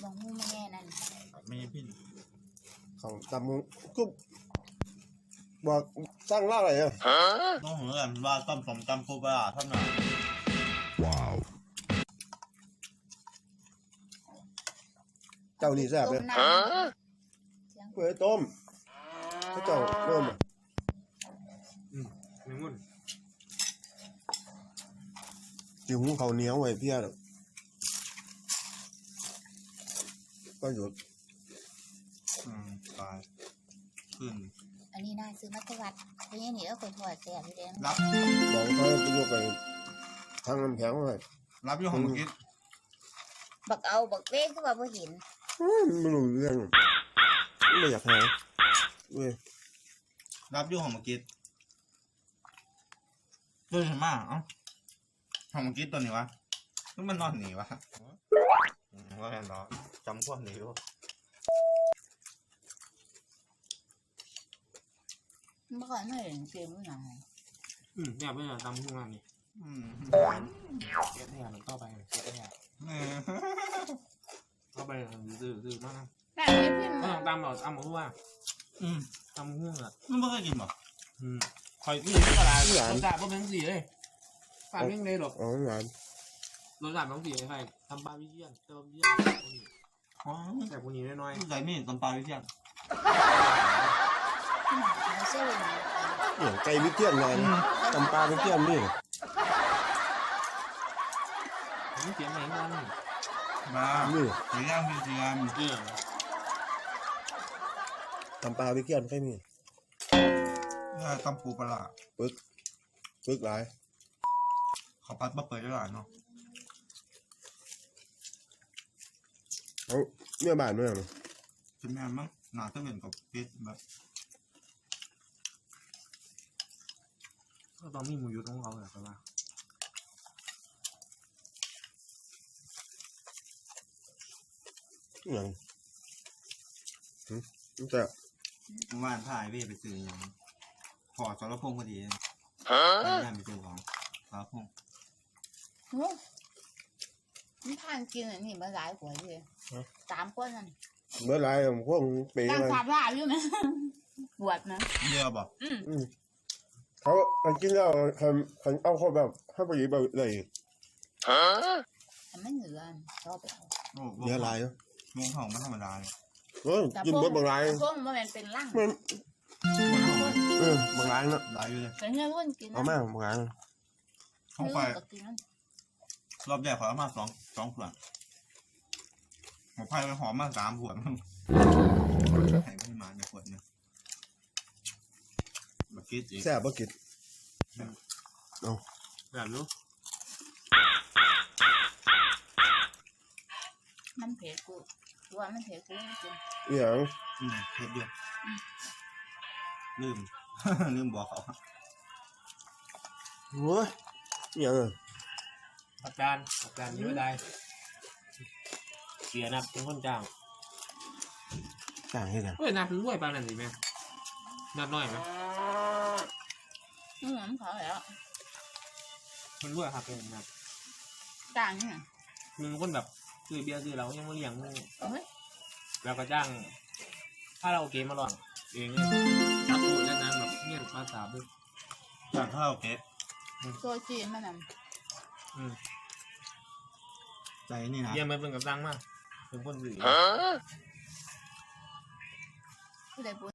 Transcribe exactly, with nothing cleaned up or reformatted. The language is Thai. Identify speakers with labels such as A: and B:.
A: บางหูไม่แน่นั่น
B: ไม่พิน
C: เขาตำมุกุ๊บบอกสร้างล่าอะไรอ่ะ
B: ต้องเหมือนว่าต้มสมตำปูปลาเท่านั้นว้าว
C: เจ้านี่แซ่บเลยเปิดต้มเขาเจ้าเริ่มอ่ะ
D: อืมไม่งุ่น
C: จิ้มเขาเหนียวไว้เพี้ยหรอกก็หยุด
B: อืมตายขึ้น
A: อันนี้น่าซื้อมัตวัดเพราะงี้นี่ก็คนถอดแสบอยู่เด้
B: รับ
C: บอกเขาไปยกไปทางน้ำแข็งเลย
B: รับอยู่ของเมื่อกี้
A: บักเอาบักเว้ก็ว่าบ่เห็น
C: ไม่รู้เรื่องไม่อยากหาเว้ย
B: รับอยู่ของเมื่อกี้ตัวนี้มากเอ้าของเมื่อกี้ตัวนี้วะนี่มันนอนหนีวะว่าไงเนาะจำพวกนี้วะ
A: เมื่อก่อนไม่เห็นเกมด้วยนะ
D: อืมเนี่ยเป็นตำทุ่งนั่นนี่
B: อืม
D: เก็บเนี่ยมันต่อไปเก็บเนี่ยเข้าไปซื้อซื้อมาก
A: แต่ไม่พิมพ์
D: ไม่ต้องตำหรอกตำหมูว่า
B: อืม
D: ตำหุ้งอ่ะ
B: มันไม่เคยกินหรอ
D: อืมคอยนี่ก็ลายรสชาติก็เป็นสีเลยฝาดเร่งเลยหรอก
C: อ๋อหวาน
D: รสชาติเป็นสีใครทำปลาวิเชียนเติมเยี่ยม
B: อ๋อ
D: แต่พวกนี้น้อย
B: ๆใส่นี่ตำปลาวิเชียน
C: เนี่ยไก่วิเทียนไงตำปลาวิเทียนนี่
D: ผมเขียนไหนกัน
B: มาเสียงมีเสียง
D: เออ
C: ตำปลาวิเทียนใครมี
B: นี่ตำปูปลา
C: ปึ๊กปึ๊กหลาย
B: เขาปัดมาเปิดได้หลายเนาะ
C: เขาเนื้อบานด้วยมั้ย
B: เป็นแม่มั้งหนาต้องเหมือนกับเพชรแบบ
D: ก็ต้องมีหมูยุทธของเขาแหละครับว่า
C: อย่างอืมจะ
B: ว่านถ่ายพี่ไปซื้ออย่างพอสารพงพอดีฮะงานไปซื้อของสารพง
A: มันทานกินอันนี้มาหลายหัวเลยสามคนนั่น
C: เมื่อไรผมพวกปี
A: ตั้งขาดลาบอยู่ไหมบวชนะ
B: เยอะบอก
C: อืมเขาอันกินแล้วคันคันเอาเขาแบบให้ไปแบบเลย
A: ฮะทำไม่เหนือชอบไปเอา
C: เยอะไรเนาะ
B: วงของไม่ธรรมดาเลย
C: เออกินเบิดบางไร
A: พวกมันเป็นร่าง
C: เออบางไรเนาะ
B: หลายอยู่เลย
A: เป็นเงี้ยรุ่นกิน
C: เอาแม่บางไร
B: ห้องไฟรอบแรกขอมาสองสองขวดหัวไฟไปหอมมาสามขวดให้พี่มาในขวดนึงบักกิดอีก
C: แซ่บบักกิดเอา
D: แบบรู้
A: มันเผ็ดกูตัวมันเผ็ดกูจริง
C: เอี่ยง
B: อืมเผ็ดเดียวลืมลืมบอกเขา
C: โอ้ยเอี่ยง
D: อาจารย์อาจารย์เยอะได้เสียนับเป็นคนจ้าง
C: จ้างให้ไง
D: เฮ้ยนับเป็นรวยปานนั้นสิแม่นับน้อยไหม
A: อืมเขาแล้ว
D: มันรวยครับเป็นนับ
A: จ้างเนี่ย
D: มึงคนแบบซื้อเบียร์ซื้อเรายังมาเลี้ยงมึงแล้วก็จ้างถ้าเราโอเคมาลองเองจับตัวแล้วนั้นแบบเงียบภาษาบึ้ง
B: จ้างข้าวเก๊
A: โซจีมันนั่น
B: ใจนี่นะ
D: เยี่ยมไปเป็นกับจ้างมากเป็นคนสื่อ
A: ผู้ใดบุญ